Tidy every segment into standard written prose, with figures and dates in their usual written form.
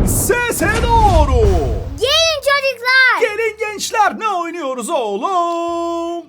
Sese doğru. Gelin çocuklar. Gelin gençler, ne oynuyoruz oğlum?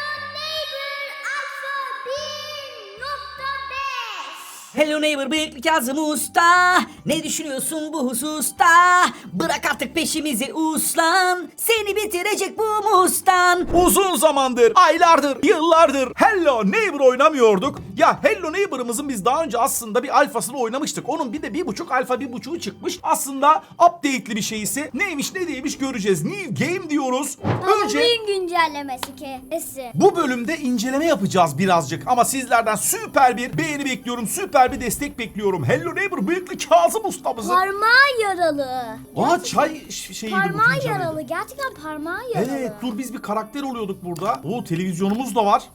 Hello Neighbor, bıyıklı Kazım Usta. Ne düşünüyorsun bu hususta? Bırak artık peşimizi uslan. Seni bitirecek bu mustan. Uzun zamandır, aylardır, yıllardır Hello Neighbor oynamıyorduk. Ya Hello Neighbor'ımızın biz daha önce aslında bir alfasını oynamıştık. Onun bir de 1.5 alfa 1.5'u çıkmış. Aslında update'li bir şeysi. Neymiş ne değilmiş göreceğiz. New game diyoruz. Önce Halloween güncellemesi kesi. bu bölümde inceleme yapacağız birazcık. Ama sizlerden süper bir beğeni bekliyorum. Süper bir destek bekliyorum. Hello Neighbor bıyıklı Kazım ustamızın. Parmağı yaralı. Aa çay şeyiydi bu Parmağı fincanıydı. yaralı. Gerçekten parmağı yaralı. Evet dur biz bir karakter oluyorduk burada. Oo televizyonumuz da var.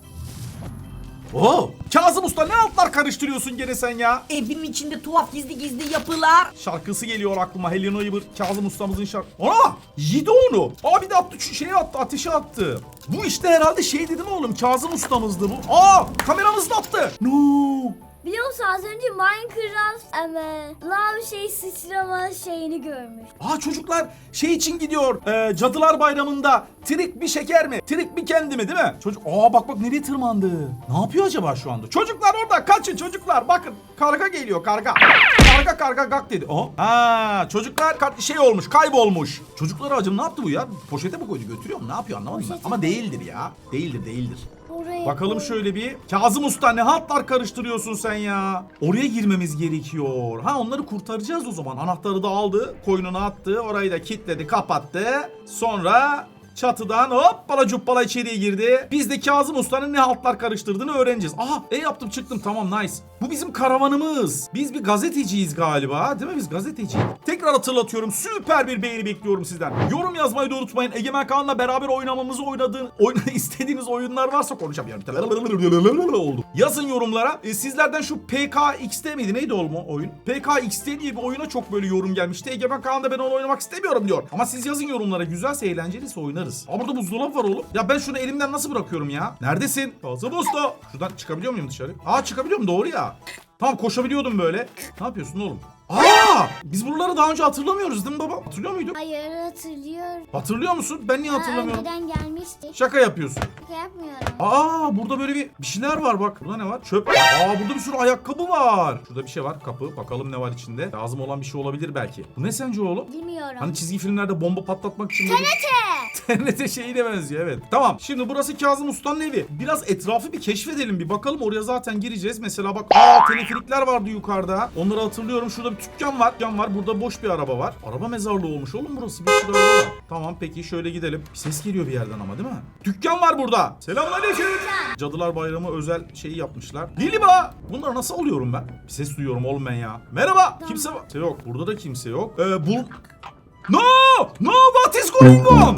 Oo Kazım Usta ne altlar karıştırıyorsun gene sen ya? Evimin içinde tuhaf gizli gizli yapılar. Şarkısı geliyor aklıma. Hello Neighbor Kazım Ustamızın şarkı. Ana! Yedi onu. Aa bir de attı şeye attı ateşe attı. Bu işte herhalde şey dedim oğlum Kazım Ustamızdı bu. Aa kameramız da attı. No. Biliyor musun az önce Minecraft lav sıçrama şeyini görmüş. Aa çocuklar şey için gidiyor. Cadılar Bayramı'nda trik bir şeker mi? Trik bir kendi mi değil mi? Çocuk bak nereye tırmandı? Ne yapıyor acaba şu anda? Çocuklar orada kaçın çocuklar. Bakın karga geliyor karga. Karga gak dedi. Çocuklar şey olmuş kaybolmuş. Çocuklar acım ne yaptı bu ya? Poşete mi koydu götürüyor mu? Ne yapıyor anlamadım ben. Ama değildir ya. Değildir. Oraya Bakalım koy. şöyle bir. Kazım Usta ne hatlar karıştırıyorsun sen ya? Oraya girmemiz gerekiyor. Onları kurtaracağız o zaman. Anahtarı da aldı. Koynuna attı. Orayı da kilitledi kapattı. Sonra çatıdan hoppala cuppala içeriye girdi. Biz de Kazım Usta'nın ne haltlar karıştırdığını öğreneceğiz. Yaptım çıktım tamam nice. Bu bizim karavanımız. Biz bir gazeteciyiz galiba değil mi biz gazeteci? Tekrar hatırlatıyorum süper bir beğeni bekliyorum sizden. Yorum yazmayı da unutmayın. Egemen Kaan'la beraber oynamamızı istediğiniz oyunlar varsa konuşamıyorum. Oldu. Yazın yorumlara. Sizlerden şu PKXD miydi neydi oğlum o oyun? PKXD diye bir oyuna çok böyle yorum gelmişti. Egemen Kaan da ben onu oynamak istemiyorum diyor. Ama siz yazın yorumlara güzelse eğlenceliyse oynarız. Burada buzdolabı var oğlum. Ya ben şunu elimden nasıl bırakıyorum ya? Neredesin? Kazım Usta. Şuradan çıkabiliyor muyum dışarı? Çıkabiliyorum doğru ya. Tamam koşabiliyordum böyle. Ne yapıyorsun oğlum? Biz buraları daha önce hatırlamıyoruz değil mi baba? Hatırlıyor muyduk? Hayır hatırlıyorum. Hatırlıyor musun? Ben niye hatırlamıyorum? Önceden gelmişti. Şaka yapıyorsun. Şaka yapmıyorum. Burada böyle bir şeyler var bak. Burada ne var? Çöp. Burada bir sürü ayakkabı var. Şurada bir şey var. Kapı. Bakalım ne var içinde. Lazım olan bir şey olabilir belki. Bu ne sence oğlum? Bilmiyorum. Hani çizgi filmlerde bomba patlatmak için böyle... TNT şeyine benziyor evet. Tamam. Şimdi burası Kazım Usta'nın evi. Biraz etrafı bir keşfedelim bir bakalım. Oraya zaten gireceğiz. Mesela bak teleferikler vardı yukarıda. Onları hatırlıyorum. Şurada bir dükkan var. Burada boş bir araba var. Araba mezarlığı olmuş oğlum burası. Bir sürü araba var. Tamam peki şöyle gidelim. Bir ses geliyor bir yerden ama değil mi? Dükkan var burada. Selamünaleyküm. Cadılar Bayramı özel şeyi yapmışlar. Liliba. Bunları nasıl alıyorum ben? Bir ses duyuyorum oğlum ben ya. Merhaba. Kimse var. Kimse yok. Burada da kimse yok. No! What is going on?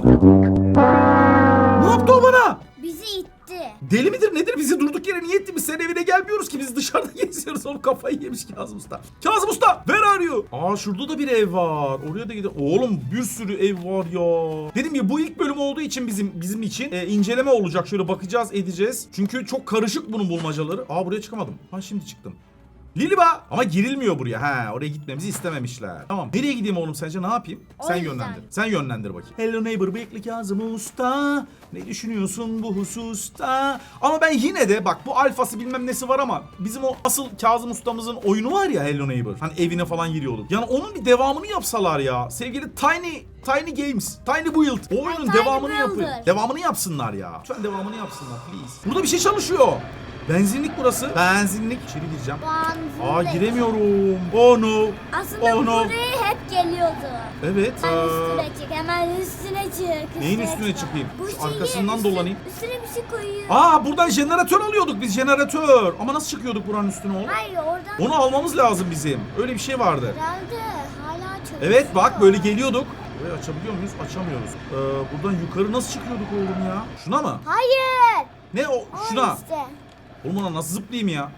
Ne yaptı o bana? Bizi itti. Deli midir nedir bizi durduk yere niye etti? Biz senin evine gelmiyoruz ki biz dışarıda geziyoruz. Oğlum kafayı yemiş Kazım Usta. Kazım Usta where are you? Şurada da bir ev var. Oraya da gidelim. Oğlum bir sürü ev var ya. Dedim ya bu ilk bölüm olduğu için bizim için inceleme olacak. Şöyle bakacağız edeceğiz. Çünkü çok karışık bunun bulmacaları. Buraya çıkamadım. Şimdi çıktım. Liliba. Ama girilmiyor buraya. Oraya gitmemizi istememişler. Tamam. Nereye gideyim oğlum sence ne yapayım? Sen yönlendir. Sen yönlendir bakayım. Hello Neighbor bıyıklı Kazım Usta. Ne düşünüyorsun bu hususta? Ama ben yine de bak bu alfası bilmem nesi var ama bizim o asıl Kazım Ustamızın oyunu var ya Hello Neighbor. Hani evine falan giriyorduk. Yani onun bir devamını yapsalar ya. Sevgili Tiny Games, Tiny Build. O oyunun devamını yapın. Devamını yapsınlar ya. Lütfen devamını yapsınlar please. Burada bir şey çalışıyor. Benzinlik burası. Benzinlik. İçeri gireceğim. Giremiyorum. Oh no. Aslında buraya hep geliyordu. Evet. Üstüne çık. Hemen üstüne çık. Neyin üstüne çıkayım? Bu Arkasından dolanayım. Üstüne bir şey koyuyor. Buradan jeneratör alıyorduk biz jeneratör. Ama nasıl çıkıyorduk buranın üstüne oğlum? Hayır oradan. Onu almamız lazım bizim. Öyle bir şey vardı. Herhalde hala çalışıyor. Evet bak böyle geliyorduk. Burayı açabiliyor muyuz? Açamıyoruz. Buradan yukarı nasıl çıkıyorduk oğlum ya? Şuna mı? Hayır. Ne o? Şuna. İşte. Oğlum ona nasıl zıplayayım ya?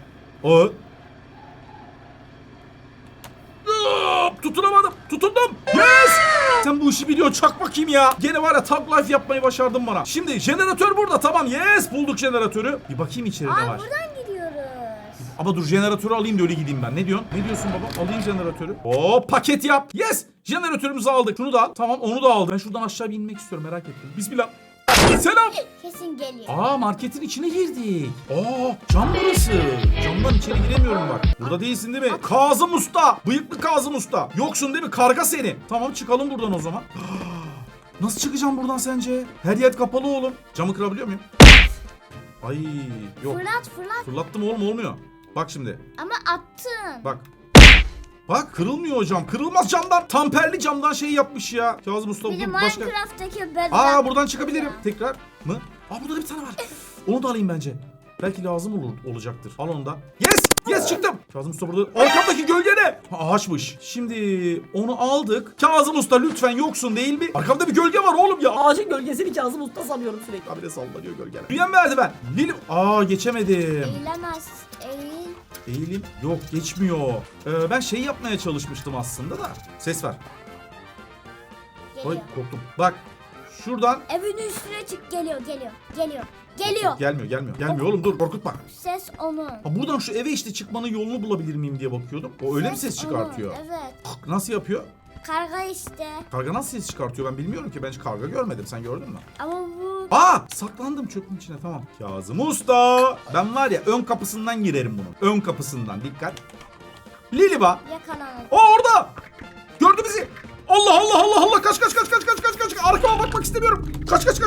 Tutunamadım. Tutundum. Yes! Sen bu işi biliyorsun. Çak bakayım ya. Gene var ya tag life yapmayı başardın bana. Şimdi jeneratör burada. Tamam. Yes. Bulduk jeneratörü. Bir bakayım içeride ne var. Buradan gidiyoruz. Ama dur jeneratörü alayım da öyle gideyim ben. Ne diyorsun? Ne diyorsun baba? Alayım jeneratörü. Paket yap. Yes. Jeneratörümüzü aldık. Şunu da al. Tamam onu da aldım. Ben şuradan aşağı bir inmek istiyorum merak ettim. Bismillah. Selam. Kesin geliyor. Aa marketin içine girdik. Aa cam burası. Camdan içeri giremiyorum bak. Burada değilsin değil mi? Kazım Usta. Bıyıklı Kazım Usta. Yoksun değil mi? Karga seni. Tamam çıkalım buradan o zaman. Nasıl çıkacağım buradan sence? Her yer kapalı oğlum. Camı kırabiliyor muyum? Ay yok. Fırlat. Fırlattım oğlum olmuyor. Bak şimdi. Ama attın. Bak. Bak kırılmıyor o cam. Kırılmaz camdan. Tamperli camdan şey yapmış ya. Kazım Usta Bir de bu başka. Minecraft'taki bedel. Aa buradan çıkabilirim. Tekrar mı? Aa burada da bir tane var. Onu da alayım bence. Belki lazım olacaktır. Al onu da. Yes! Yes çıktım. Kazım Usta burada. Arkamdaki gölge ne? Ha, ağaçmış. Şimdi onu aldık. Kazım Usta lütfen yoksun değil mi? Arkamda bir gölge var oğlum ya. Ağacın gölgesini Kazım Usta sanıyorum sürekli. Abi de sallanıyor gölgeler. Büyüyen merdiven. Lili. Aa geçemedim. Eğilemez. Eğil. Eğilim. Yok geçmiyor. Ben şey yapmaya çalışmıştım aslında da. Ses ver. Geliyor. Ay korktum. Bak. Şuradan. Evin üstüne çık. Geliyor. Geliyor. Gelmiyor oğlum dur korkutma. Ses onun. Ha, buradan şu eve işte çıkmanın yolunu bulabilir miyim diye bakıyordum. O öyle mi ses çıkartıyor? Onun, evet. Nasıl yapıyor? Karga işte. Karga nasıl ses çıkartıyor ben bilmiyorum ki. Ben hiç karga görmedim. Sen gördün mü? Ama bu... Aa! Saklandım çöpün içine tamam. Kazım Usta. Ben var ya ön kapısından girerim bunun. Ön kapısından dikkat. Liliba. Yakalanır. O orada. Gördü bizi. Allah kaç arkama bakmak istemiyorum. Kaç koş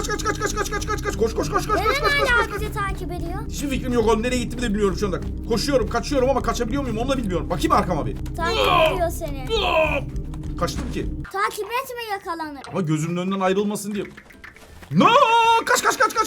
Hala bizi takip ediyor. Hiçbir fikrim yok oğlum nereye gittiğimi de bilmiyorum şu anda. Koşuyorum kaçıyorum ama kaçabiliyor muyum onu da bilmiyorum. Bakayım arkama bir. Takip ediyor seni. Kaçtım ki. Takip etme yakalanır. Ama gözümün önünden ayrılmasın diye. No! Kaç.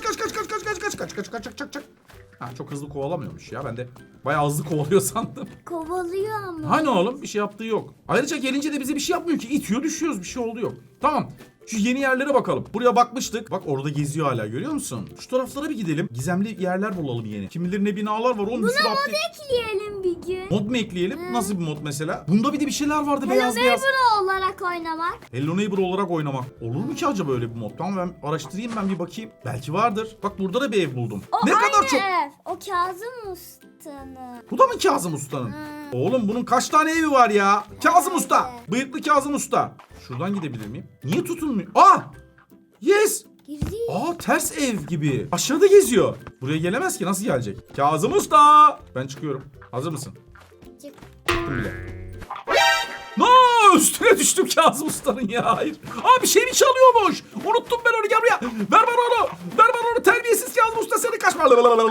Ha, çok hızlı kovalamıyormuş ya. Ben de bayağı hızlı kovalıyor sandım. Kovalıyor ama. Hani oğlum bir şey yaptığı yok. Ayrıca gelince de bize bir şey yapmıyor ki. İtiyor düşüyoruz bir şey oldu yok. Tamam. Şu yeni yerlere bakalım. Buraya bakmıştık. Bak orada geziyor hala görüyor musun? Şu taraflara bir gidelim. Gizemli yerler bulalım yeni. Kim bilir ne binalar var oğlum. Buna mod ekleyelim bir gün. Mod mu ekleyelim? Nasıl bir mod mesela? Bunda bir de bir şeyler vardı beyaz Hello beyaz. Neighbor olarak oynamak. Hello Neighbor olarak oynamak. Olur mu ki acaba öyle bir mod? Tamam ben araştırayım ben bir bakayım. Belki vardır. Bak burada da bir ev buldum. O Ne aynı kadar çok. ev. O Kazım Usta'nın. Bu da mı Kazım Usta'nın? Oğlum bunun kaç tane evi var ya? Kazım Usta. Bıyıklı Kazım Usta. Şuradan gidebilir miyim? Niye tutulmuyor? Aa! Yes! Girdi. Aa ters ev gibi. Aşağıda geziyor. Buraya gelemez ki nasıl gelecek? Kazım Usta. Ben çıkıyorum. Hazır mısın? Çık. Çıktım bile. No! Üstüne düştüm Kazım Usta'nın ya. Hayır. Aa bir şey mi çalıyormuş? Unuttum ben onu. Gel buraya. Ver bana onu. Ver bana onu. Terbiyesiz Kazım Usta seni kaçma.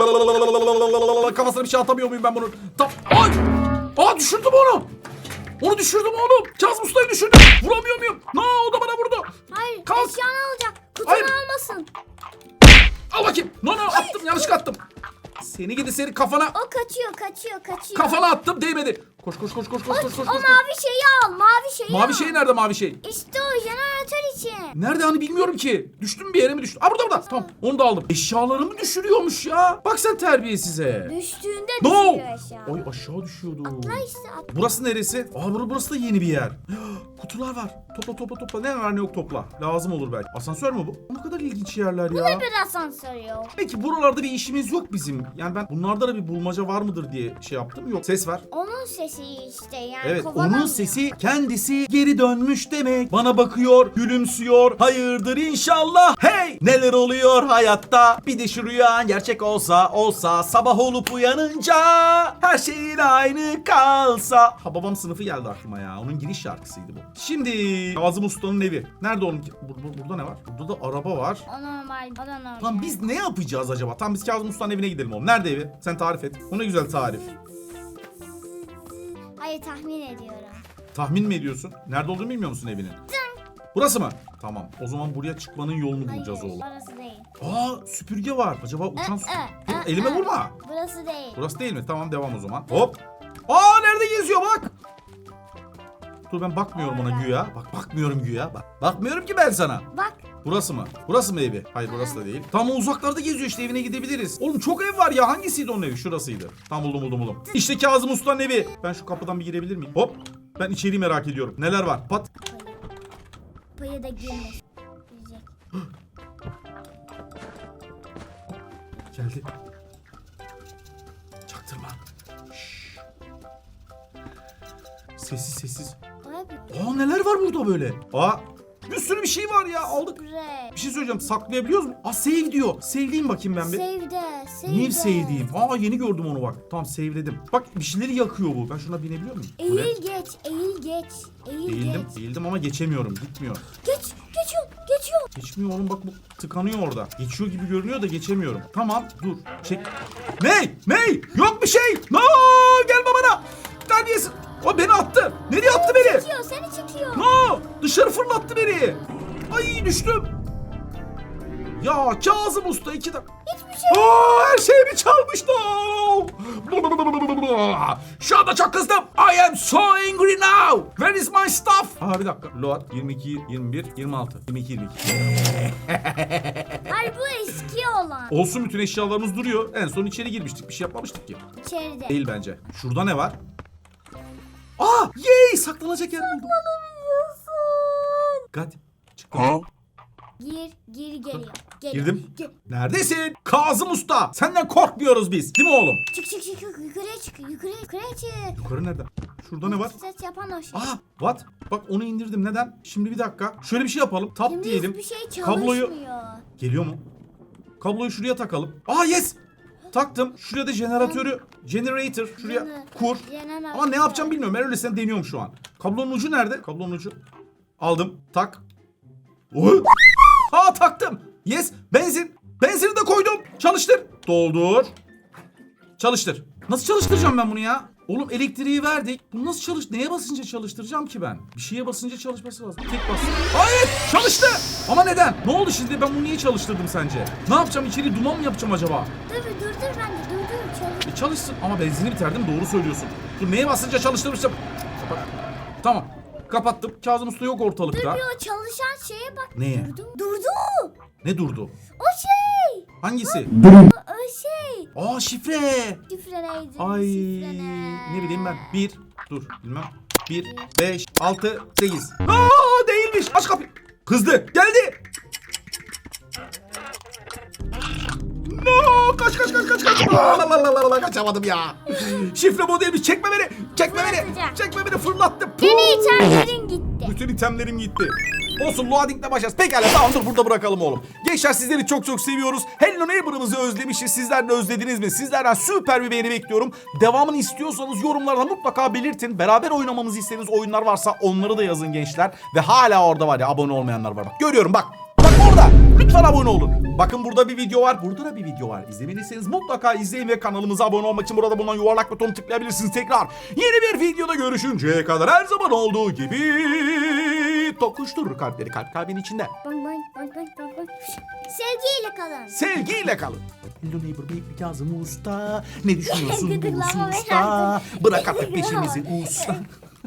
Kafasına bir şey atamıyor muyum ben bunun? Ay! Aa düşürdüm onu. Onu düşürdüm oğlum. Kazım Usta'yı düşürdüm. Vuramıyor muyum? No o da bana vurdu. Hayır. Kalk. Eşyanı alacak. Kutunu Hayır. almasın. Al bakayım. No attım yanlışlıkla attım. Seni gidi seni kafana. O kaçıyor. Kafana attım değmedi. Koş. O mavi şeyi al. Mavi şey nerede mavi şey? İşte o jeneratör için. Nerede hani bilmiyorum ki. Düştüm bir yere mi düştüm? Aa burada. Tamam onu da aldım. Eşyalarımı düşürüyormuş ya. Bak sen terbiyesize. Düştüğünde No. düşüyor eşya. Ay aşağı düşüyordu. Atla işte at. Burası neresi? Aa burası da yeni bir yer. Kutular var. Topla. Ne var ne yok topla. Lazım olur belki. Asansör mü bu? Ne kadar ilginç yerler ya. Ne bir asansör yok. Peki buralarda bir işimiz yok bizim. Yani ben bunlarda da bir bulmaca var mıdır diye şey yaptım. Yok ses var. Onun sesi işte yani Evet kovalamıyor. onun sesi kendisi geri dönmüş demek. Bana bakıyor, gülümsüyor. Hayırdır inşallah. Hey! Neler oluyor hayatta? Bir de şu rüya gerçek olsa sabah olup uyanınca her şeyin aynı kalsa. Ha babam sınıfı geldi aklıma ya. Onun giriş şarkısıydı bu. Şimdi Kazım Usta'nın evi. Nerede oğlum? Burada ne var? Burada da araba var. O normal. O da normal. Lan biz ne yapacağız acaba? Tam biz Kazım Usta'nın evine gidelim oğlum. Nerede evi? Sen tarif et. O ne güzel tarif. Hayır tahmin ediyorum. Tahmin mi ediyorsun? Nerede olduğunu bilmiyor musun evinin? Burası mı? Tamam. O zaman buraya çıkmanın yolunu bulacağız Hayır, oğlum. orası değil. Aa süpürge var. Acaba uçan Dur, ı, elime ı. vurma. Burası değil. Burası değil mi? Tamam devam o zaman. Hop. Aa nerede geziyor bak. Dur ben bakmıyorum ona güya. Bak bakmıyorum güya. Bak. Bakmıyorum ki ben sana. Bak. Burası mı? Burası mı evi? Hayır burası da değil. Tam o uzaklarda geziyor işte evine gidebiliriz. Oğlum çok ev var ya. Hangisiydi onun evi? Şurasıydı. Tam buldum. İşte Kazım Usta'nın evi. Ben şu kapıdan bir girebilir miyim? Hop. Ben içeriği merak ediyorum. Neler var? Pat. Payı da girmiş. Girecek. Geldi. Çaktırma. Şşş. Sessiz. O hep Aa neler var burada böyle? Aa bir sürü bir şey var ya aldık. Sprey. Bir şey söyleyeceğim savlayabiliyoruz mu? Aa save diyor. Save'leyeyim bakayım ben bir. New save diyeyim. Aa yeni gördüm onu bak. Tamam save'ledim. Bak bir şeyleri yakıyor bu. Ben şuna binebiliyor muyum? Bu ne? Eğil geç, eğil geç. Eğil Eğildim, geç. eğildim ama geçemiyorum. Gitmiyor. Geçiyorum. Geçmiyor oğlum bak bu tıkanıyor orada. Geçiyor gibi görünüyor da geçemiyorum. Tamam dur. Çek. Ney? Yok bir şey. No gelme bana. Terbiyesiz. O beni attı. Nereye attı beni? Seni çekiyor. No dışarı fırlattı beni. Ay düştüm. Ya Kazım Usta 2 dakika. Hiçbir şey. Her şeyimi çalmış. No. Şu anda çok kızdım. I am so angry now. Where is my stuff? Bir dakika. Load 22, 21, 26. 22, 22. Hayır bu eski olan. Olsun bütün eşyalarımız duruyor. En son içeri girmiştik. Bir şey yapmamıştık ki. İçeride. Değil bence. Şurada ne var? Yay! Saklanacak yer buldum. Gat. Çıktım. Gir geliyor. Girdim. Neredesin? Kazım Usta. Senden korkmuyoruz biz. Değil mi oğlum? Çık yukarıya çık. Yukarıya çık. Yukarı nerede? Şurada ne var? Ses yapan o şey. What? Bak onu indirdim. Neden? Şimdi bir dakika. Şöyle bir şey yapalım. Tap Şimdi diyelim. hiçbir şey çalışmıyor. Kabloyu geliyor mu? Kabloyu şuraya takalım. Yes. Taktım. Şuraya da generator şuraya kur. Ama ne yapacağım bilmiyorum. Ben öylesine deniyorum şu an. Kablonun ucu nerede? Kablonun ucu. Aldım. Tak. Taktım. Yes. Benzini de koydum. Çalıştır. Doldur. Çalıştır. Nasıl çalıştıracağım ben bunu ya? Oğlum elektriği verdik. Bunu nasıl neye basınca çalıştıracağım ki ben? Bir şeye basınca çalışması lazım. Tek bas. Hayır! Çalıştı! Ama neden? Ne oldu şimdi? Ben bunu niye çalıştırdım sence? Ne yapacağım? İçeri duman mı yapacağım acaba? Dur ben de çalış. Çalışsın. Ama benzini bitirdim. Doğru söylüyorsun. Dur neye basınca çalıştırmışım? Kapat. Tamam. Kapattım. Kazım Usta yok ortalıkta. Dur bir o çalışan şeye bak. Neye? Durdu. Ne durdu? O şey. Hangisi? O şey. Şifre. Şifre neydi? Ay Şifre ne? ne bileyim ben. 1 dur bilmem. 1 5 6 8. Değilmiş. Aç kapıyı. Kızdı. Geldi. No! Kaç. Kaçamadım ya. Şifre modelmiş. Çekme beni. Fırlattı. Senin itemlerin gitti. Bütün itemlerim gitti. Olsun loading'le başlarız. Pekala tamam dur burada bırakalım oğlum. Gençler sizleri çok seviyoruz. Hello Neighbor'ımızı özlemişiz. Sizler de özlediniz mi? Sizlerden süper bir beğeni bekliyorum. Devamını istiyorsanız yorumlarda mutlaka belirtin. Beraber oynamamızı istediğiniz oyunlar varsa onları da yazın gençler. Ve hala orada var ya abone olmayanlar var bak. Görüyorum bak. Bak orada. Lütfen abone olun. Bakın burada bir video var. Burada da bir video var. İzlemediyseniz mutlaka izleyin ve kanalımıza abone olmak için burada bulunan yuvarlak butonu tıklayabilirsiniz tekrar. Yeni bir videoda görüşünceye kadar her zaman olduğu gibi tokuşturur kalpleri kalbin içinde. Bang. Sevgiyle kalın. Sevgiyle kalın. Hello neighbor beylik Kazım Usta. Ne düşünüyorsun bu Gıdıklama usta? beni. Bırak artık peşimizi usta.